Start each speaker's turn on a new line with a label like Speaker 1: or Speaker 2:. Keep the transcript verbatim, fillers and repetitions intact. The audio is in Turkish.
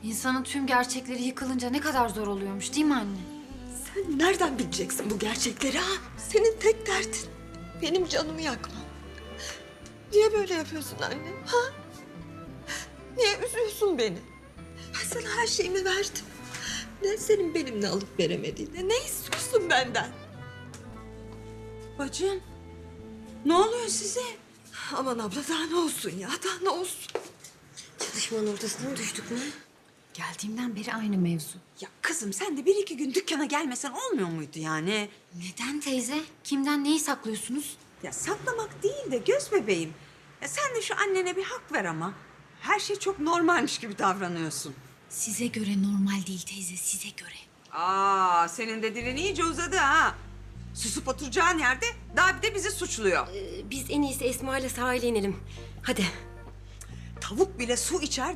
Speaker 1: İnsanın tüm gerçekleri yıkılınca ne kadar zor oluyormuş değil mi anne?
Speaker 2: Sen nereden bileceksin bu gerçekleri ha? Senin tek derdin benim canımı yakman. Niye böyle yapıyorsun anne? Ha? Niye üzüyorsun beni? Ben sana her şeyimi verdim. Ne senin benimle alıp veremediğini, ne istiyorsun benden?
Speaker 3: Bacım, ne oluyor size?
Speaker 2: Aman abla daha ne olsun ya, daha ne olsun?
Speaker 4: Çalışmanın ortasına mı düştük mü?
Speaker 1: Geldiğimden beri aynı mevzu.
Speaker 3: Ya kızım sen de bir iki gün dükkana gelmesen olmuyor muydu yani?
Speaker 1: Neden teyze? Kimden neyi saklıyorsunuz?
Speaker 3: Ya saklamak değil de göz bebeğim. Ya sen de şu annene bir hak ver ama. Her şey çok normalmiş gibi davranıyorsun.
Speaker 1: Size göre normal değil teyze, size göre.
Speaker 3: Aa, senin de dilin iyice uzadı ha. Susup oturacağın yerde daha bir de bizi suçluyor.
Speaker 4: Ee, biz en iyisi Esma ile sahile inelim. Hadi.
Speaker 3: Tavuk bile su içer,